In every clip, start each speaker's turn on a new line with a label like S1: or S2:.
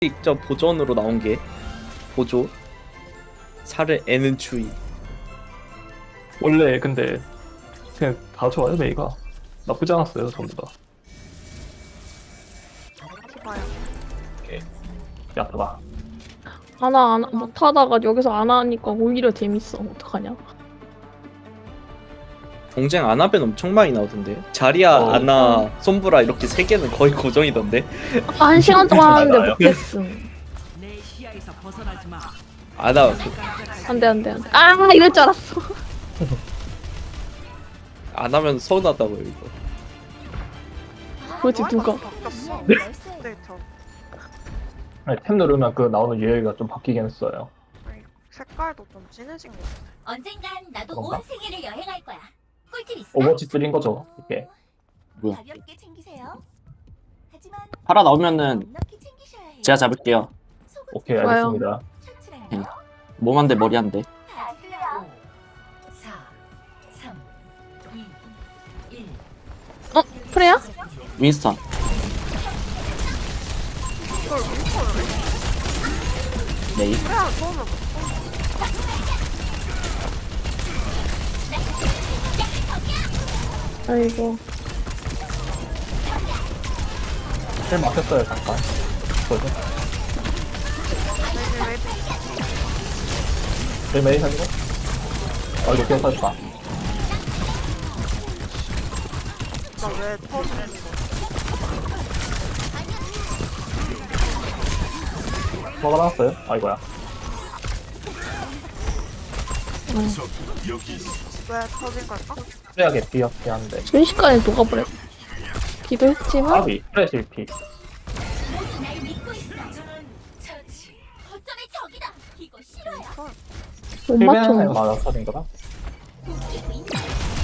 S1: 직접 보존으로 나온 게 보조 살을 애는 추위.
S2: 원래 근데 그냥 다 좋아요. 메이가 나쁘지 않았어요. 전부 다.
S3: 기봐요.
S2: 오케이. 야타다.
S4: 하나 안 못하다가 여기서 안 하니까 오히려 재밌어. 어떡하냐?
S1: 동쟁 아나벤 엄청 많이 나오던데. 자리아, 아나, 솜브라 이렇게 세 개는 거의 고정이던데.
S4: 아까 1시간 동안 하는데
S2: 알아요?
S4: 못했음.
S5: 내 시야에서 벗어나지 마.
S1: 아나
S4: 안돼. 아 이럴 줄 알았어.
S1: 안 하면 서운하다고요 이거.
S4: 그렇지 누가?
S3: 바뀌었어.
S2: 네?
S3: 데이터.
S2: 아니, 탭 누르면 그 나오는 유형이가 좀 바뀌긴 했어요.
S3: 아니, 색깔도 좀 진해진 것 같아.
S6: 언젠간 나도
S2: 그런가?
S6: 온 세계를 여행할 거야. 꿀팁 있어?
S2: 오버워치 3인 거죠. 이게.
S7: 뭐야?
S6: 가볍게 챙기세요. 하지만
S7: 팔아 나오면은
S6: 넉넉히 챙기셔야 해요.
S7: 제가 잡을게요.
S6: 속은
S2: 오케이,
S4: 좋아요.
S2: 알겠습니다.
S6: 셔츠랑요.
S7: 몸 한 대 머리 한 대.
S6: 다 틀려. 4, 3, 2, 1.
S4: 어 프레야?
S7: 윈스턴.
S3: 이걸 윈터를 해?
S7: 메이.
S3: 그래, 처음에
S4: 아이고.
S2: 탭 막혔어요. 잠깐. 그죠?
S3: 왜
S2: 메이 살리고. 이거 기억하셨다.
S3: 나왜 터지는 거?
S2: 뭐가 나왔어요? 이거야.
S3: 왜 터진 걸까?
S2: 프레하게 비었게 한데.
S4: 순식간에 녹아버렸. 기도했지만
S2: 아비, 프레 실피.
S6: 날 믿고 있어. 처치. 거점의 적이다. 이거 싫어요.
S4: 못
S2: 실베한테
S4: 맞춰.
S2: 맞아 터진 거다.
S6: 웃기고 있나?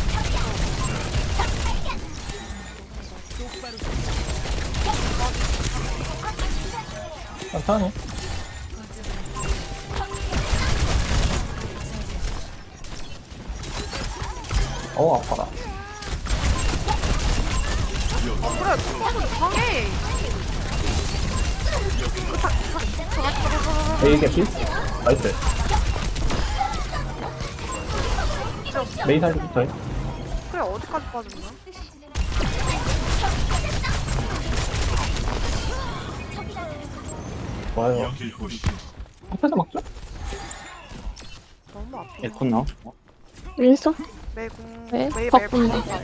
S2: 천천히. 아파라.
S3: 그래, 뚜껑은 이상해.
S2: 메이 개피? 나이스. 메이 살리고 저희.
S3: 그래, 어디까지 빠졌나?
S2: 좋아요. 앞에서 막죠?
S3: 너무 아파.
S7: 에콘 나오.
S4: 윈서?
S3: 매공,
S4: 네,
S3: 매일
S4: 바쁜데.
S3: 매공.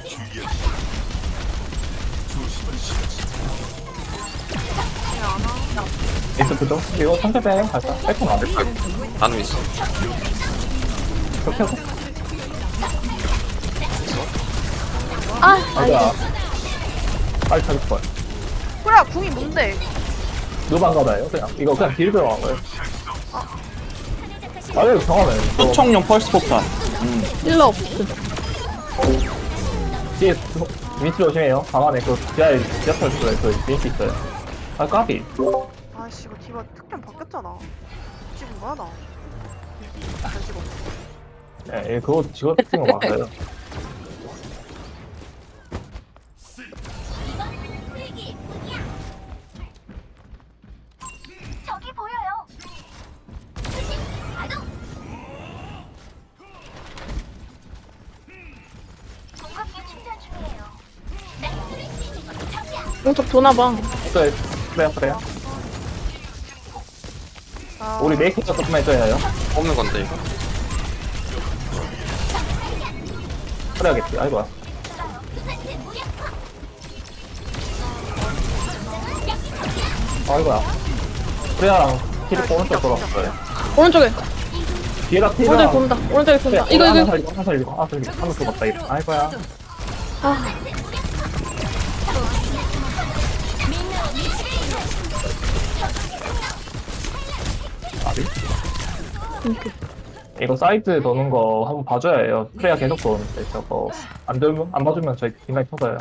S2: 에이스 그죠? 이거 천천히 빼요. 갈까? 빼고 안 될까?
S8: 나눔 있어.
S2: 그렇게 하고.
S4: 아
S2: 아이고야. 빨리 찾을 거야.
S3: 그래, 궁이 뭔데?
S2: 누방 가봐요. 그냥. 이거 그냥 딜 들어간 거예요. 이거 경험해.
S7: 소총용 펄스 폭탄.
S4: 힐러 없음.
S2: 뒤에 위치 조심해요. 방 안에 그 지하에 지하철 쪽에 그 링크 있어요. 까비.
S3: 아이씨, 이거 디바 특템 바뀌었잖아. 지금 뭐야, 나? 잘 찍어.
S2: 네, 그거 직업 특징은 맞아요.
S6: 이건 풀기 뿐이야. 저기 보여요. 수신 가동. 공급기 충전 중이에요. 날 뚫을 수 있는 건 저기야.
S4: 오른쪽 도나봐.
S2: 그래요.
S3: 아,
S2: 우리 메이크업 조금만 해줘야 해요.
S8: 뽑는 건데 이거.
S2: 그래야겠지. 아이고야.
S6: 부산대 무력화.
S2: 아이고야. 프레아랑 힐이 오른쪽 돌아왔어요.
S4: 오른쪽에.
S2: 뒤에다
S4: 오른쪽에
S2: 힐이랑
S4: 돈다. 오른쪽에 돈다. 이거
S2: 하나
S4: 이거.
S2: 살리고 하나 살리고 하나 죽었다 이거. 아이고야.
S4: 아
S2: 아비? 이거 사이트 도는 거 한번 봐줘야 해요. 프레아 계속 도는데 저거 안 들면 안 봐주면 저희 뒷라인 터져요.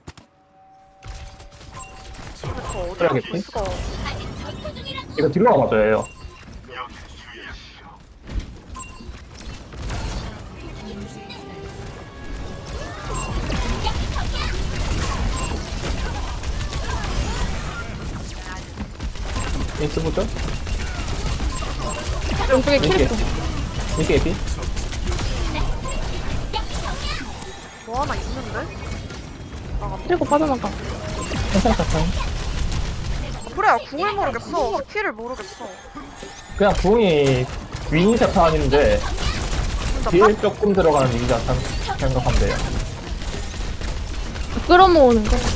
S3: 저 어디
S2: 그래야겠지?
S3: 볼 수가.
S2: 이거 딜러가 맞아야 해요. 윈스 보죠?
S4: 왼쪽에 캐릭터.
S2: 윈스 에피?
S3: 뭐 하나 있는데? 나가.
S4: 캐릭터 빠져나가.
S2: 괜찮아, 괜찮아.
S3: 그래, 궁을 모르겠어. 스킬을 모르겠어.
S2: 그냥 궁이 윈 자탄인데
S3: 진짜
S2: 딜 조금 들어가는 윈 자탄 생각하면 돼요.
S4: 끌어모으는 거.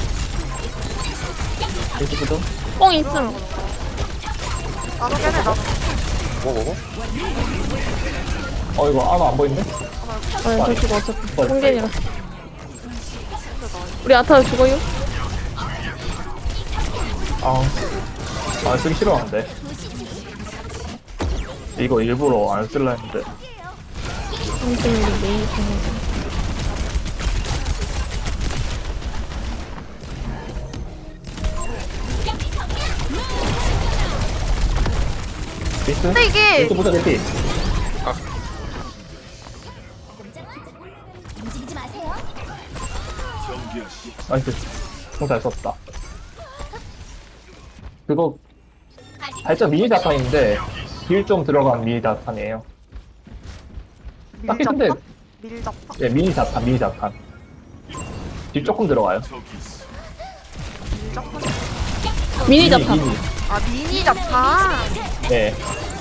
S2: 윈스 보죠?
S4: 뽕 있음.
S3: 나도 깨네, 나도.
S1: 뭐?
S2: 이거 아마 안 보이는데?
S4: 저 죽어 어차피. 뽕겐이라. 우리 아타 죽어요?
S2: 쓰기 싫어하는데. 이거 일부러 안 쓸라 했는데.
S4: 아무튼 우리 메인 중에.
S2: 윈스?
S3: 근데 이게
S2: 윈스 보자, 대피.
S6: 움직이지 마세요.
S2: 나이스. 잘 썼다. 그거 살짝 미니 자탄인데 딜 좀 들어간 미니 자탄이에요. 딱히 근데
S3: 밀잡판? 밀잡판?
S2: 네, 미니 자탄. 딜 조금 들어가요.
S3: 밀잡판?
S4: 미니 자탄.
S2: 미니.
S3: 아, 미니 잡판.
S2: 네.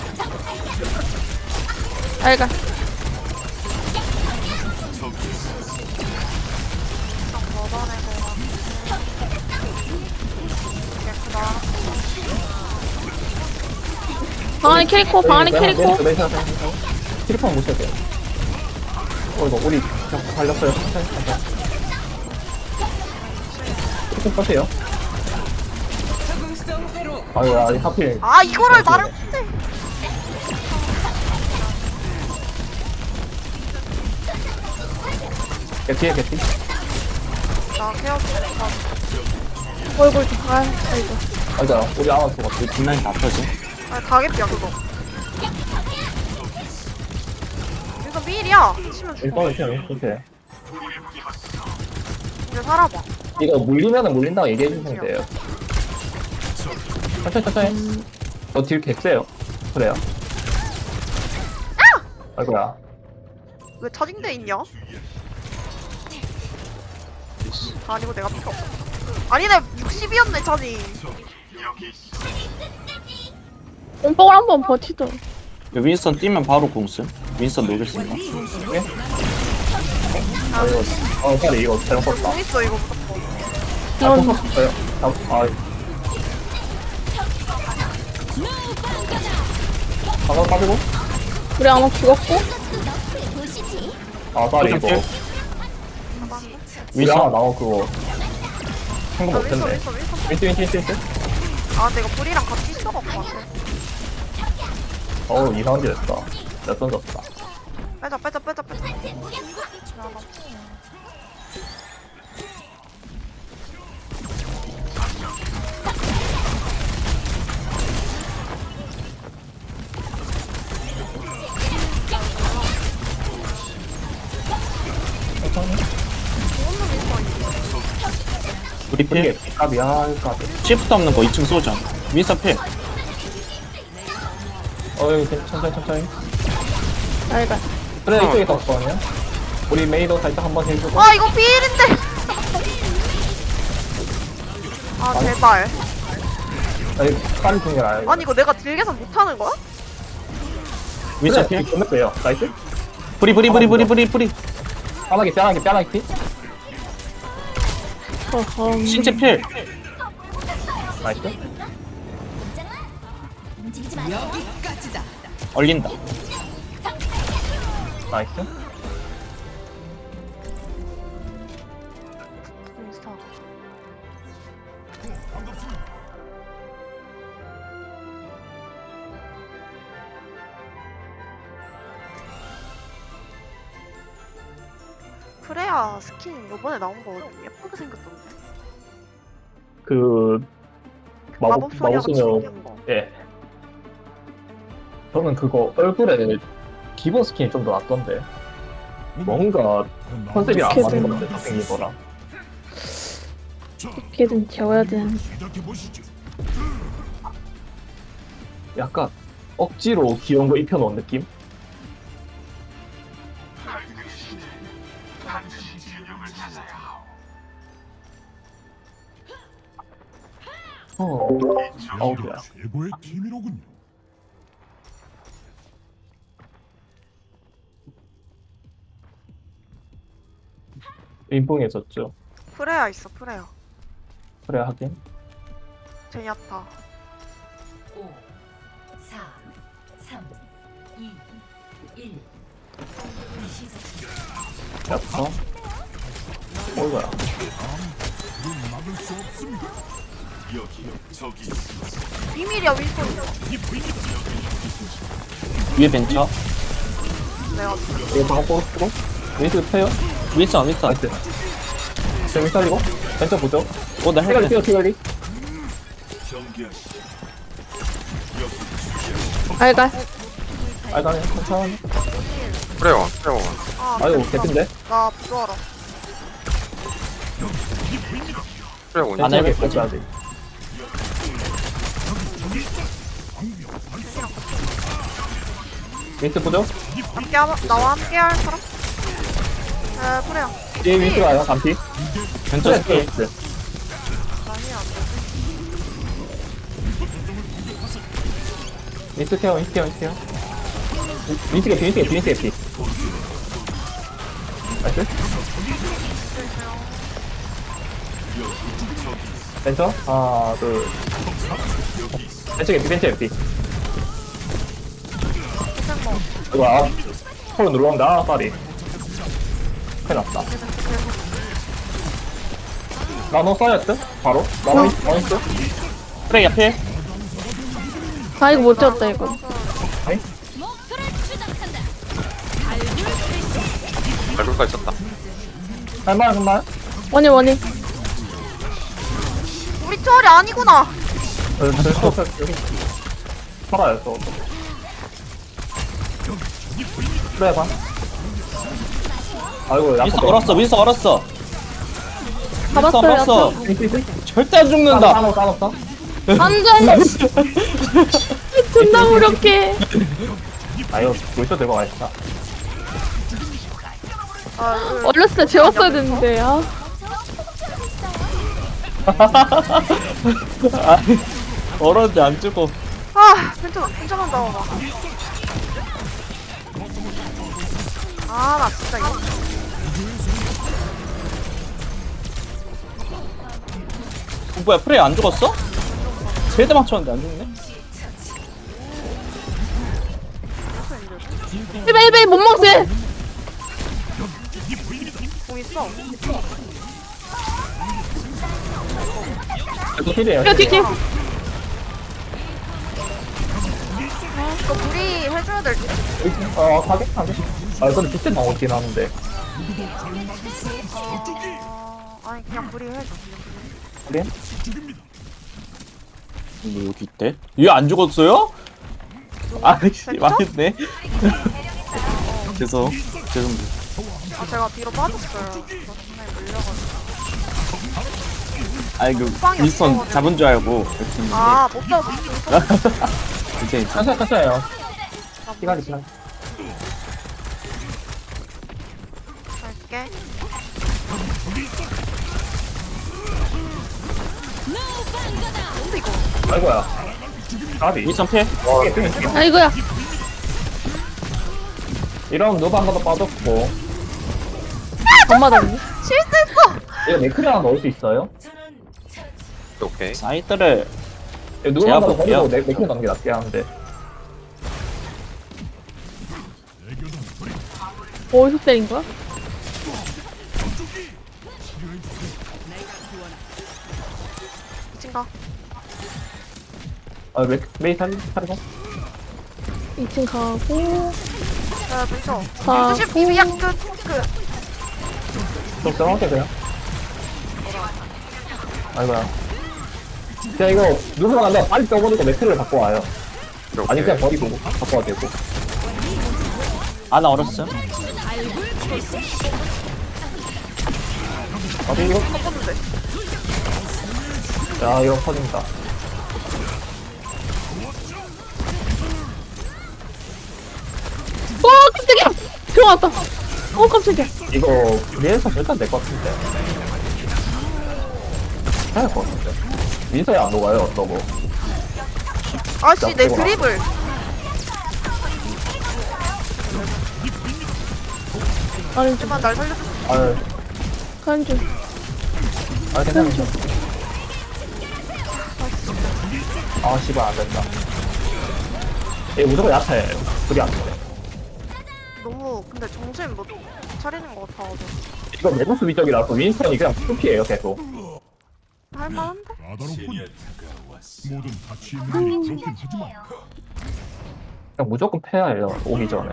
S4: 알가.
S3: 걷어내고 가. 깨끗하다.
S4: 방 안에 캐릭터, 방 안에 캐릭터.
S2: 캐릭터는 못 써도 돼요. 이거 우리 그냥 달렸어요. 천천히. 캐릭터 써세요. 아이고야, 하필.
S3: 아, 이거를 말을 못해.
S2: 개피해, 개피.
S3: 나 케어 좀
S4: 얼굴 좀. 아이고.
S2: 맞아, 우리 아마 죽었어.
S7: 우리 뒷라인 다 펴지.
S3: 아니, 가겠비야, 그거. 이거 밀이야. 치면 죽어.
S2: 일단은 그냥 이렇게.
S3: 이제 살아봐.
S2: 이거 물리면은 물린다고 얘기해주시면 돼요. 천천히. 딜 개쎄요. 그래요. 아이고야.
S3: 왜 차징돼 있냐? 아니고 내가 필요 없어. 아니네, 60이었네, 차징.
S4: 뽕뽕을 한번 버티자.
S7: 윈스턴 뛰면 바로 공수. 윈스턴 녹였습니다.
S2: 빨리 이거 잘못 썼다.
S3: 공 있어, 이거 무조건.
S4: 이런
S2: 썼어요. 방금 빠지고?
S4: 우리 아마 죽었고.
S6: 보시지.
S2: 빨리 이거. 우리
S7: 윈스턴
S2: 아마 나온 그거. 생각
S3: 아, 윈서,
S2: 못했네.
S3: 윈서, 윈서.
S2: 윈스.
S3: 아, 근데 이거 불이랑 같이 있어갖고 안 돼.
S2: 이상한 게 됐다. 몇 던졌다.
S3: 빼자.
S7: 우리 필.
S2: 이게 값이야, 값.
S7: 시프트 없는 거 2층 쏘자. 윈스턴 필.
S2: 천천히.
S4: 알가.
S2: 그래, 이쪽에 떴거든요. 우리 메이도 살짝 한번 해주고.
S3: 아, 이거 비일인데. 아, 제발.
S2: 빨리 중계 나요.
S3: 아니, 이거 내가 딜계산 못하는 거야?
S7: 윈스턴 필.
S2: 끝냈어요. 나이스.
S7: 뿌리.
S2: 뼈나기 피.
S7: 신체 필.
S2: 나이스.
S6: 움직이지 마세요.
S5: 여기까지다.
S7: 얼린다.
S2: 나이스.
S3: 인스타. 그래야 스킨 요번에 나온 거 예쁘게 생겼던데.
S2: 그
S3: 마법 소녀가
S2: 마법소녀.
S3: 생긴 거.
S2: 예. 저는 그거 얼굴에 기본 스킨이 좀 더 낫던데. 뭔가 컨셉이랑 안 맞는 것 같아. 생긴 거랑.
S4: 어떻게든 재워야 되는.
S2: 약간 억지로 귀여운 거 입혀놓은 느낌? 어우야.
S8: 최고의 팀이로군요.
S2: 인풍해졌죠.
S3: 프레야 있어 프레야.
S2: 그래 하긴.
S3: 제니아타.
S5: 5, 4, 3, 2, 1.
S2: 약간. 어이구야.
S8: 막을 수 없습니다.
S3: 비밀이야 윈스턴.
S7: 위에 벤처.
S3: 내가
S2: 이거 방금 뽑고 윈스 패요?
S7: 윈선.
S2: 나이스. 재미 살리고 벤처 보죠.
S7: 나
S2: 티갈리
S7: 헬멧.
S2: 뛰어 티갈리.
S4: 알갈.
S2: 알가네 괜찮아.
S9: 그래요. 그래요.
S3: 아
S2: 아유
S3: 미쳤다.
S2: 개핀데.
S3: 나 부조하라.
S9: 그래요.
S7: 안
S2: 괜찮게
S7: 해볼 거지.
S2: 가져야지. 윈스 보죠.
S3: 나와 함께 할 사람? 프레야.
S2: 뒤에 윈스 가요 반피.
S7: 벤처
S2: 그래
S7: 스킬.
S2: 윈스.
S3: 아니 안 돼.
S2: 윈스 케어 윈스 개피. 나이스. 벤처 하나 둘. 벤처 개피.
S3: 생모.
S2: 이거 폴로 눌러온다 빨리. 큰일 났다. 나노 써야지 바로. 나노 있어.
S7: 그래 옆에.
S4: 아 이거 못 쳤다 이거.
S9: 알굴까 있었다.
S2: 할만한.
S4: 원이.
S3: 우리 초월이 아니구나.
S2: 여기 살아요 저. 그래 봐. 아이고
S7: 윈선 얼었어.
S4: 잡았어요.
S7: 절대 안 죽는다.
S2: 따놨어.
S4: 안돼. 존나 무력해.
S2: 아유 벌써 들고 가있다.
S4: 어렸을 때 재웠어야 되는데. 아.
S7: 얼었는데 안 죽어.
S3: 괜찮은다 봐봐. 나 진짜 이거.
S7: 뭐야 프레이 안 죽었어? 세대 맞췄는데 안 죽네?
S4: 1배 못 먹지.
S3: 공 있어.
S2: 이거 힐이에요.
S4: 야 뒤.
S3: 이거 우리 해줘야 될 듯.
S2: 가게. 근데 비슷한 나오긴 하는데.
S3: 아니 그냥 불이 해줘.
S2: 그래?
S7: 뭐 여기 있대? 얘 안 죽었어요? 아이씨 망했네. 죄송합니다.
S3: 제가 뒤로 빠졌어요. 저 순간에 물려가지고.
S7: 아이 그
S3: 후방이
S7: 윈스턴
S3: 없어가지고.
S7: 잡은 줄 알고 이렇게 했는데
S3: 못 잡았어.
S7: 괜찮아.
S2: 괜찮아요. 시간이 지나.
S3: 갈게. 뭔데 이거?
S2: 아이고야. 가비.
S7: 윈스턴 패?
S4: 아이고야.
S2: 이런 누바 한 번 더 빠졌고.
S4: 안 맞았니?
S3: 실수했어.
S2: 이거 네크리 하나 넣을 수 있어요?
S9: 오케이.
S7: 사이트를
S2: 이거 누가 한번 더
S7: 볼게요.
S2: 버리고 네크리 넣는 게 낫긴 한데.
S4: 어디서 때린 거야?
S3: 미친가?
S2: 메이 살리고.
S4: 2층 가고
S3: 벤처.
S4: 가.
S3: 조심 비비야 그.
S2: 적당하게 그냥. 아이고야. 그냥 이거 누가 간다 빨리 떠버리고 네크리를 바꿔 와요. 아니 그냥 버리고 바꿔야 되고.
S7: 아나 얼었어.
S2: 아니 이거.
S3: 섞었는데.
S2: 야 이거 터진다.
S4: 맞다. 깜짝이야.
S2: 이거 위에서 일단 될 것 같은데. 해야 될 것 같은데. 위에서야 안 녹아요, 너무.
S3: 아씨 내 드립을.
S4: 아니, 좀,
S3: 하지만 날 살려줄 수 있어.
S2: 아유,
S4: 가는 중.
S2: 괜찮아. 아, 씨발, 안 된다. 얘 무조건 약해. 둘이 안 돼.
S3: 너무 근데 정신 못 차리는 것 같아가지고.
S2: 이거 내부 수비적이라서 윈스턴이 그냥 투피예요 계속.
S3: 할만한데?
S8: 까다롭군. 모든 가치 있는 건 그렇긴 하지만
S2: 그냥 무조건 패야 해요 오기 전에.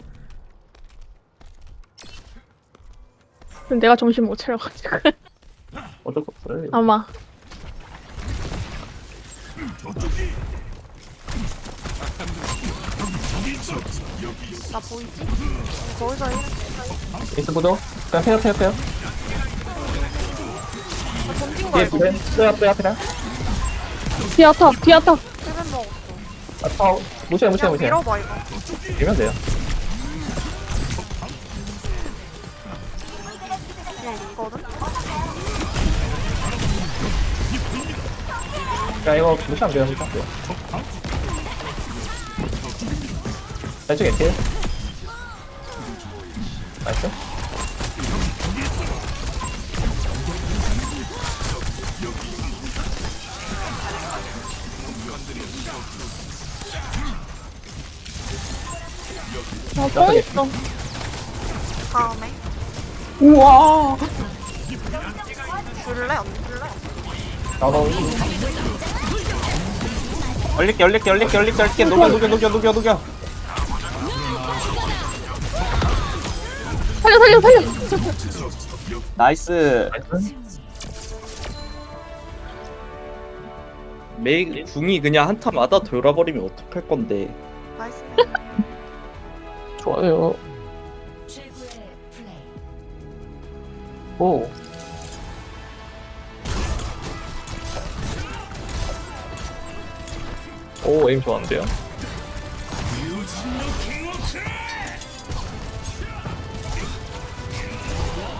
S4: 근데 내가 정신 못 차려가지고.
S2: 어쩔 수 없어요.
S4: 아마.
S3: 나 보이지? 거기서 이렇게
S2: 윈스 보죠. 그냥 패요.
S3: 던진 거
S2: 뒤에
S3: 알고
S2: 빼야.
S4: 디아타.
S3: 힐벤 먹었어.
S2: 아, 파워. 무시해.
S3: 그냥 밀어봐 이거.
S2: 밀면 돼요.
S3: 그냥 있거든?
S2: 야, 이거 무시하면 돼요. 왼쪽에 딜. 나이스.
S4: 또 있어.
S3: 다음에
S4: 우와.
S3: 줄래? 안 줄래?
S2: 나도
S7: 얼릴게 녹여.
S4: 살려.
S7: 나이스.
S1: 메이 궁이 그냥 한타마다 돌아버리면 어떡할 건데.
S3: 나이스네.
S2: 좋아요.
S5: 최고의 플레이.
S2: 오. 오, 에임 좋았는데요.